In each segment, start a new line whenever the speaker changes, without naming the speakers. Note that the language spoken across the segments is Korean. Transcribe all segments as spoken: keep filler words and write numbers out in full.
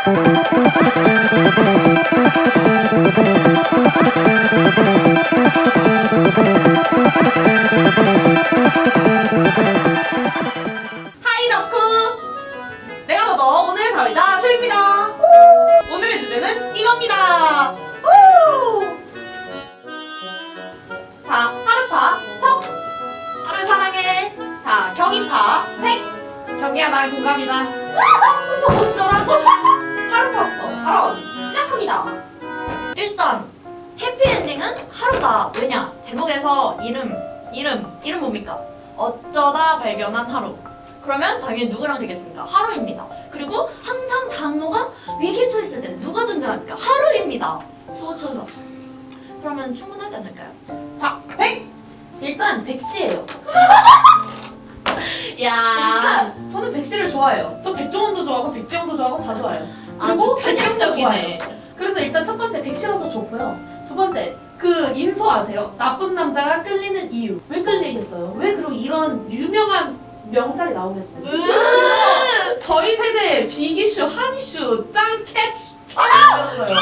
하이 덕후! 내가 더더 오늘 사회자 최입니다. 오늘의 주제는 이겁니다. 자, 하루파 석.
하루 사랑해.
자, 경이파 백.
경기야 나랑 동갑이다.
어쩌라고? 하루파부터 바로 시작합니다.
일단 해피엔딩은 하루다. 왜냐? 제목에서 이름 이름 이름 뭡니까? 어쩌다 발견한 하루. 그러면 당연히 누구랑 되겠습니까? 하루입니다. 그리고 항상 단어가 위기에 처했을 때 누가 등장합니까? 하루입니다. 수호천사죠. 그러면 충분하지 않을까요?
자, 백.
일단 백씨예요.
야,
일단 저는 백씨를 좋아해요. 저 백종원도 좋아하고 백지영도 좋아하고 다 좋아해요.
아주
그리고 백경도
편향적이네.
좋아해요. 그래서 일단 첫 번째 백씨라서 좋고요. 두 번째 그 인소 아세요? 나쁜 남자가 끌리는 이유. 왜 끌리겠어요? 왜 그리고 이런 유명한 명작이 나오겠어요? 저희 세대 빅이슈, 한이슈, 짱캡 캡이었어요.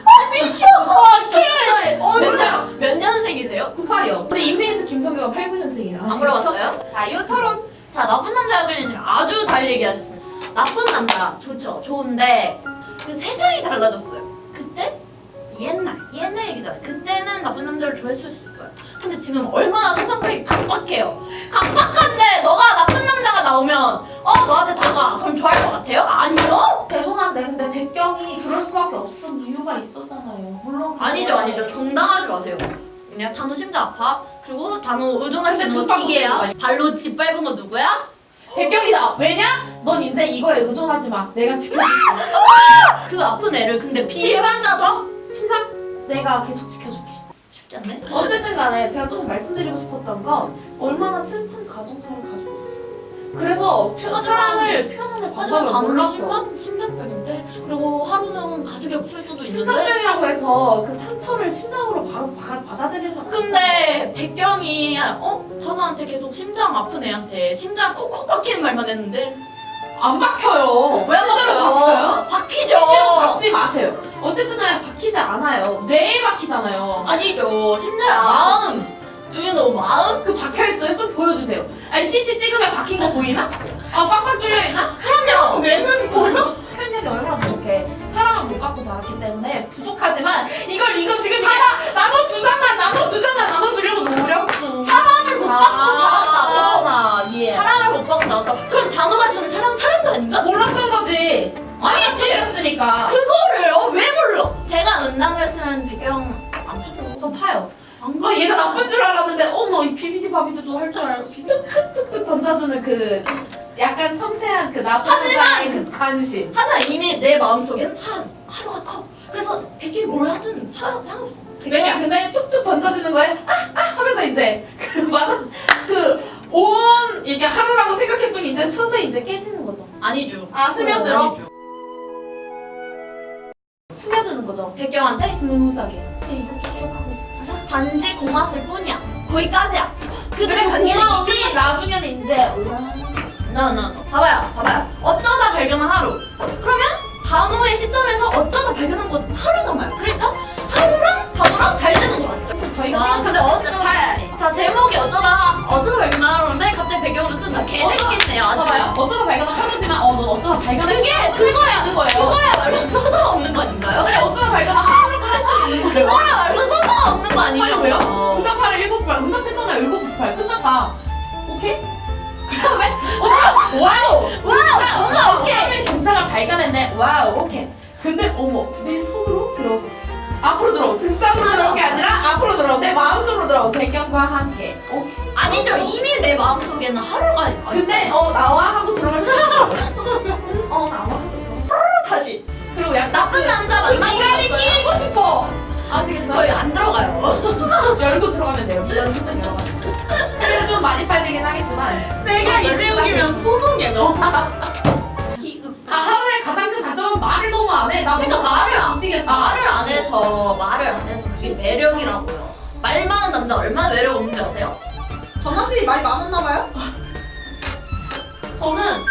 몇, 몇 년생이세요?
구십팔이요. 근데 인피니트 김성규가 팔십구 년생이에요.
안 물어봤어요?
자, 이후 토론.
자, 나쁜 남자가 끌리는 아주 잘 얘기하셨습니다. 나쁜 남자 좋죠, 좋은데 그 세상이 달라졌어요. 그때 옛날 옛날 얘기잖아요. 그때는 나쁜 남자를 좋아했을 수 있어요. 근데 지금 얼마나 세상이 각박해요. 각박한데 너가 나쁜 남자가 나오면 어 너한테 다가 그럼 좋아할 것 같아요? 아니요?
죄송한데 근데 백경이 그럴 수밖에 없었던 이유가 있었잖아요. 물론
아니죠, 아니죠. 정당하지 마세요. 그냥 단호 심장 아파. 그리고 단호 의존할 수
근데
있는 거
죽다고
기계야.
그러는
발로 짓밟은 거 누구야?
백경이다. 왜냐? 넌 이제 이거에 의존하지 마. 내가 지금
그 아픈 애를 근데 비감자도
심장 내가 계속 지켜줄게.
쉽지 않네.
어쨌든 간에 제가 조금 말씀드리고 싶었던 건 얼마나 슬픈 가정사를 가지고 있어요. 그래서 표,
맞아.
사랑을 표현하는
하지만
방법을
단호는
몰랐어.
심한 심장병인데 수도 하루는 가족이 없을 수도 있는데.
심장병이라고 해서 그 상처를 심장으로 바로 받아, 받아들이는 건
근데 백경이 어 단호한테 계속 심장 아픈 애한테 심장 콕콕 박히는 말만 했는데
안 박혀요.
왜 안
실제로
박혀요? 박히죠.
실제로 박지 마세요. 어쨌든 간에 박히지 않아요. 뇌에 박히잖아요.
아니죠. 심장 마음. Do you know 마음?
그 박혀있어요? 좀 보여주세요. 아니 씨티 찍으면 박힌 거 보이나? 아 빡빡 뚫려있나?
그럼요.
내는 보여?
표현력이 얼마나 부족해. 사랑을 못 받고 자랐기 때문에 부족하지만 이걸 이거 지금 사랑 나눠주잖아 나눠주잖아 나눠주려고 노력중.
사랑을 못 받고 자랐다고?
나 예.
사랑을 못 받고 자랐다. 그럼 단호가 주는 사랑 사랑도 아닌가?
몰랐던 거지.
아니지.
였으니까.
그거를 어, 왜 몰라? 제가 은단호였으면 백경 안 파죠.
저 파요.
안
어, 얘가 나쁜 줄 알았는데 어머 이 비비디 바비드도 할 줄 알고 툭툭툭툭 던져주는 그 약간 섬세한 그 나쁜
하지만-
여자의 그 관심.
하지만 이미 내 마음속엔 하, 하루가 커. 그래서 백경이 뭘 하든 사, 상관없어.
왜냐? 근데 툭툭 던져지는 거에 아! 아! 하면서 이제 그 맞아 그온 이게 하루라고 생각했더니 이제 서서히 이제 깨지는 거죠.
아니죠.
아, 스며들어?
아니죠.
스며드는 거죠.
백경한테
스무스하게. 네, 이것도 기억하고 있었잖아.
단지 고마웠을 뿐이야. 거기까지야. 그들의
그리고
관계는
고마움이
이끝.
나중에는 이제 으아.
너너 봐봐요, 봐봐요. 어쩌다 발견한 하루. 그러면 단호의 시점에서 어쩌다 발견한 건 하루잖아요. 그러니까 하루랑 단호랑 잘 되는 것 같죠.
저희가
아, 근데 어쩌다 자 제목이 어쩌다 어쩌다 발견한 하루인데 갑자기 배경으로 뜬다. 개재밌겠네요. 아주.
봐봐요. 어쩌다 발견한 하루지만 어 넌 어쩌다 발견한
그게 그거야.
있는 거예요.
그거야말로 서사가 없는 거 아닌가요?
그래 어쩌다 발견한 하루를 끝낼 수 있는 거예요.
그거야말로 서사가 없는 거
아니
아니냐고요?
왜요? 응답하라 일곱팔 응답했잖아요 일곱팔 끝났다. 오케이? 그다음에 어쩌다 와우
와우, 뭔가 오케이.
오케이 등장을 발견했네. 와우 오케이. 근데 어머 내 손으로 들어 앞으로 들어 등장으로 들어온 게 아니라 앞으로 들어 내 마음속으로 들어 배경과 함께. 오케이.
아니죠. 이미 내 마음속에는 하루가 아니,
근데 어 나와 하고 들어갈 수 있어. 어 나와 하고 들어갈 수 있어.
다시.
그리고 약간
나쁜 남자 만나고
미간이
있어요.
끼고 싶어. 아시겠어요?
저희 안 들어가요.
열고 들어가면 돼요. 미간 솔직히 열어가지고. 그래서 좀 많이 파야 되긴 하겠지만.
내가 이재욱이면 소송해 너.
아 하루에 가장 큰 단점은 말을 너무 안 해. 나
그러니까 말을 안
미치겠어.
말을 안 해서 말을 안 해서 그게 매력이라고요. 말 많은 남자 얼마나 매력 없는지 아세요?
전화 씨 많이 많았나 봐요?
저는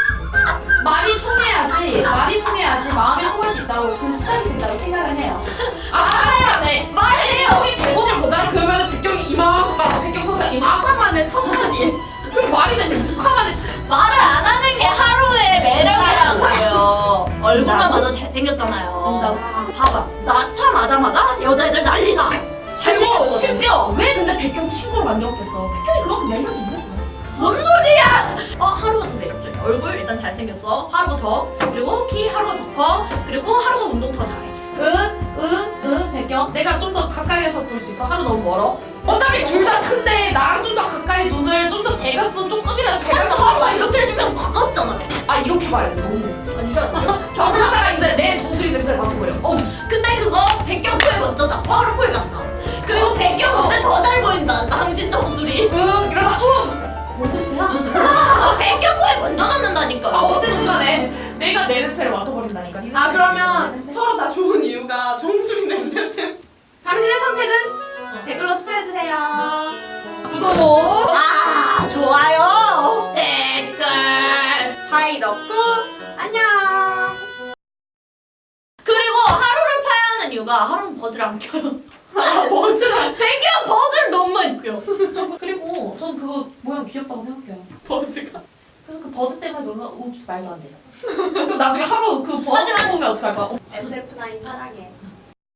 말이 통해야지 말이 통해야지 마음이 통할 수 있다고 그 시작이 된다고 생각을 해요. 아 잘해야 돼.
말해요.
여기 대본을 보잖아. 그러면 백경이 이만큼 백경 선생 이만큼
아까만에 천만이.
그 말이 되는 육 화 만에
말을 안 하는 게 하루의 매력이라고요. 얼굴만
나도-
봐도 잘생겼잖아요.
나도-
봐봐. 나타나자마자 여자애들 난리나.
그리고
잘생겼거든.
심지어 왜 근데 백경 친구를 만들었겠어? 백경이 그만큼 매력이 있는 거야.
뭔 소리야? 어 하루가 더 매력적이야. 얼굴 일단 잘생겼어. 하루가 더. 그리고 키 하루가 더 커. 그리고 하루가 운동 더 잘해.
응, 응, 응, 백경. 내가 좀 더 가까이에서 볼 수 있어. 하루 너무 멀어. 어차피 둘 다 큰데 나랑 좀 더 가까이 눈을 좀 더 대갔으면 조금이라도
그래서
대갔어.
하루가 이렇게 해주면 가깝잖아요.
아 이렇게 봐야 돼. 너무.
아니죠 아니죠?
저 그러다가 이제 내 정수리 냄새를 맡아버려. 어,
근데 그거 백경 코에 멋져다. 하루 코에 같다. 그리고 백경 근데 더 잘 보인다. 당신 정수리.
응, 이러다 우 뭔 냄새야?
아, 백경 코에 먼저 넣는다니까.
아 어쨌든 간에 내가 내 냄새를 맡아버린다니까. 네
아
냄새, 내
그러면
냄새.
서로 다 좋은 이유가 정수리 냄새 때문에. 당신의 선택은 댓글로 투표해주세요.
구독.
아 좋아요.
댓글.
하이 덕후 안녕.
그리고 하루를 파야 하는 이유가 하루는 버즈를 안 껴요.
아 버즈랑
백경 버즈를 너무 많이 껴요.
그리고 전 그거 모양 귀엽다고 생각해요.
버즈가.
그래서 그 버즈 때문에 그런가 웁스 말도 안 돼요. 그럼 나중에 하루 그 버즈
하지만-
보면 어떡할 거야? 어,
에스에프 나인 사랑해.